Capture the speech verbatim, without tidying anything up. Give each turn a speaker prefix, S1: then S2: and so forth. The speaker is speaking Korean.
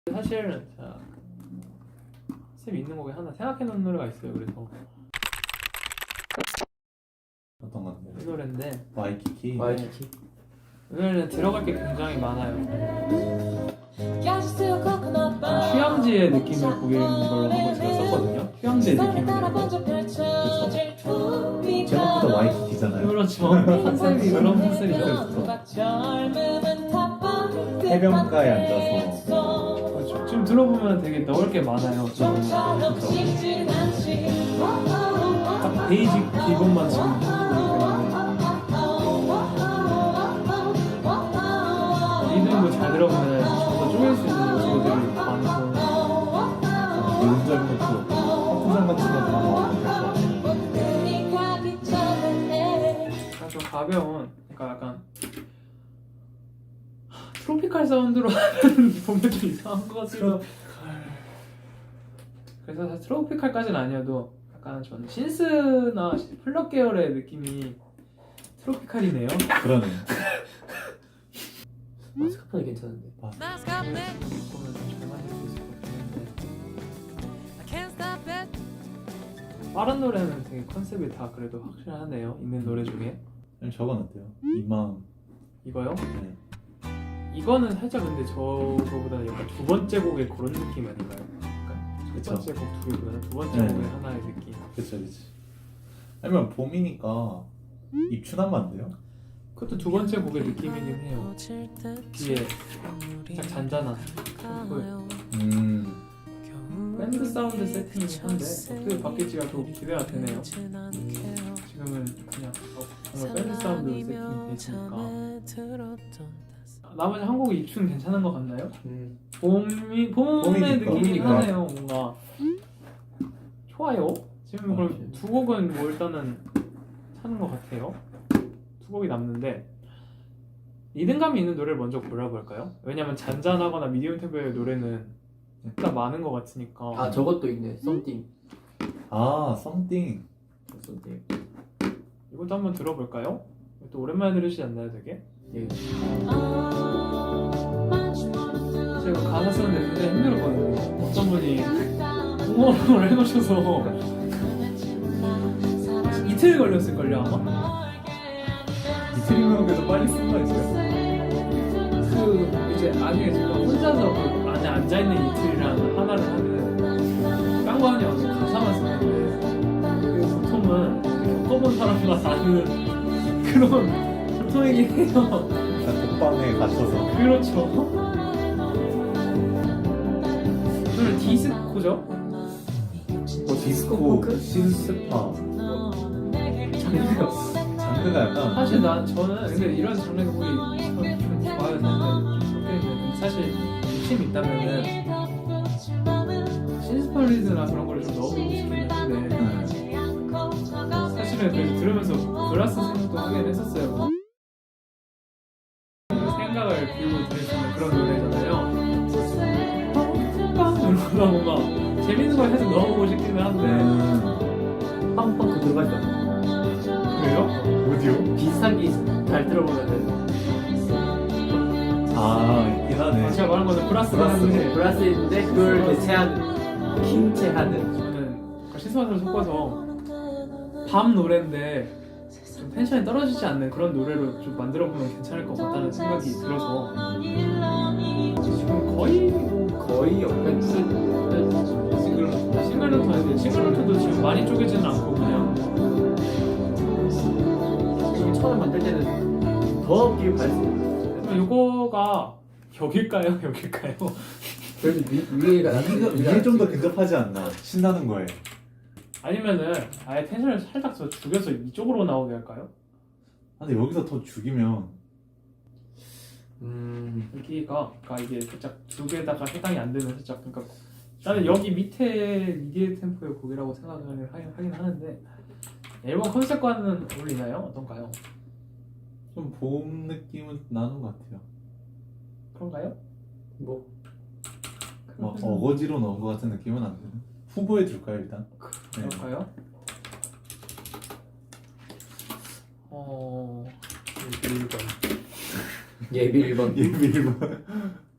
S1: 사실 자, 쌤 있는 곡에 하나 생각해 놓은 노래가 있어요. 그래서
S2: 어떤 건데?
S1: 이 노래인데
S2: 와이키키.
S3: 와이키키.
S1: 이 노래는 들어갈 게 굉장히 많아요. 휴양지의 느낌을 보이는 걸로 한번 제가 썼거든요. 휴양지의 느낌을.
S2: 제목부터 와이키키잖아요.
S1: 그렇죠. 컨셉이 그런 컨셉이죠.
S2: 해변가에 앉아서
S1: 그렇죠. 지금 들어보면 되게 넣을 게 많아요. 딱 베이직 기본만 지금 하는 거기 때문에 리듬도 잘 들어보면 좀더 쪼갤 수 있는 요소들이 많고
S2: 노른자리 것도 커플장 같은 거다 나오는 거.
S1: 좀 가벼운, 그러니까 약간 하, 트로피칼 사운드로 하면 보면 좀 이상한 것 같기도. 그래서 사실 트로피칼까지는 아니어도 약간 전 신스나 플럭 계열의 느낌이 트로피칼이네요.
S2: 그러네요.
S3: 마스카폰이 괜찮은데.
S1: 보면 잘 만들 수 있을 것 같은데 빠른 노래는 되게 컨셉이 다 그래도 확실하네요. 있는 노래 중에.
S2: 저건 어때요? 이 마음.
S1: 이거요?
S2: 네.
S1: 이거는 살짝 근데 저거보다는 약간 두 번째 곡의 그런 느낌 아닌가요? 약간 첫
S2: 그쵸.
S1: 번째 곡 두 개보다는 두 번째
S2: 네.
S1: 곡의 하나의 느낌.
S2: 그쵸 그쵸. 아니면 봄이니까 입춘하면 안 돼요?
S1: 그것도 두 번째 곡의 느낌이긴 해요. 뒤에 살짝 잔잔한 템포의
S2: 음.
S1: 밴드 사운드 세팅이긴 한데 어떻게 바뀔지가 더 기대가 되네요. 지금은 그냥 어, 정말 밴드 사운드 세팅이 돼 있으니까. 나머지 한 곡이 입춘 괜찮은 것 같나요?
S3: 음.
S1: 봄이 봄의
S2: 봄이니까.
S1: 느낌이긴
S2: 봄이니까.
S1: 하네요. 뭔가 좋아요. 지금 그럼 두 곡은 뭐 일단은 찾는 것 같아요. 두 곡이 남는데 리듬감이 있는 노래를 먼저 골라볼까요? 왜냐면 잔잔하거나 미디엄 템포의 노래는 일단 많은 것 같으니까.
S3: 아 저것도 있네. 썸띵.
S2: 아 썸띵.
S3: 썸띵.
S1: 이것도 한번 들어볼까요? 또 오랜만에 들으시지 않나요, 되게?
S3: 예.
S1: 제가 가사 쓰는데 굉장히 힘들었거든요. 어떤 분이 응원을 해놓으셔서 이틀 걸렸을걸요 아마?
S2: 이틀이면 그래도 빨리 쓴 거 있어요?
S1: 그 이제 나중에 제가 혼자서 그 안에 앉아있는 이틀이라는 하나를 하는 깡관이 와서 가사만 쓰는데 그 보통은 겪어본 사람만 아는 그런 보통이긴 해요.
S2: 독방에 갇혀서.
S1: 그렇죠. 저는 디스코죠?
S2: 뭐 디스코,
S3: 포크?
S2: 신스파.
S1: 장르가
S2: 장르가 약간
S1: 사실 난 저는 근데 이런 장르 곡이 좀, 좀 좋아요. 사실 사실 욕심이 있다면은 신스펄리드나 그런 거를 좀 넣어보고 싶긴 한데 사실은 그래서 들으면서 글라스 생각도 하긴 했었어요. 생각을 비우고 들을 수 있는 그런 노래잖아요. 이러다 뭔가 재밌는 걸 해서 넣어보고 싶기는 한데
S2: 음.
S3: 팡팡 그 들어갈 때
S1: 그래요?
S2: 어디요?
S3: 비슷한 게 잘 들어보면은
S2: 아 있긴 하네.
S1: 아, 제가 말한 거는 플러스가
S2: 플러스.
S1: 하는데
S3: 브라스 있는데 그걸 대체하는 킹체하는.
S1: 저는 신스만을 섞어서 밤 노래인데 좀 텐션이 떨어지지 않는 그런 노래로 좀 만들어보면 괜찮을 것 같다는 생각이 들어서 지금 거의 뭐
S3: 거의 없는
S1: 싱글 싱글노트인데 싱글노트도 지금 많이 쪼개지는 않고 그냥
S3: 지금 처음 만들 때는 더 끼를 발했습니다.
S1: 요거가 여길까요? 여길까요?
S3: 그래도 위, 위에가
S2: 이게, 이게 좀 더 근접하지 않나? 신나는 거에.
S1: 아니면은 아예 텐션을 살짝 더 죽여서 이쪽으로 나오게 할까요?
S2: 근데 여기서 더 죽이면
S3: 음.
S1: 여기가 그러니까 이게 살짝 두 개다가 해당이 안 되는 살짝 그러니까 나는 여기 밑에 미디어 템포의 곡이라고 생각을 하긴, 하긴 하는데 앨범 컨셉과는 어울리나요? 어떤가요?
S2: 좀 봄 느낌은 나는 것 같아요.
S1: 그런가요?
S3: 뭐
S2: 막 어거지로 넣은 것 같은 느낌은 안 드는. 후보에 둘까요 일단? 네.
S1: 그럴까요? 어...
S3: 예비 일 번.
S2: 예비 일 번.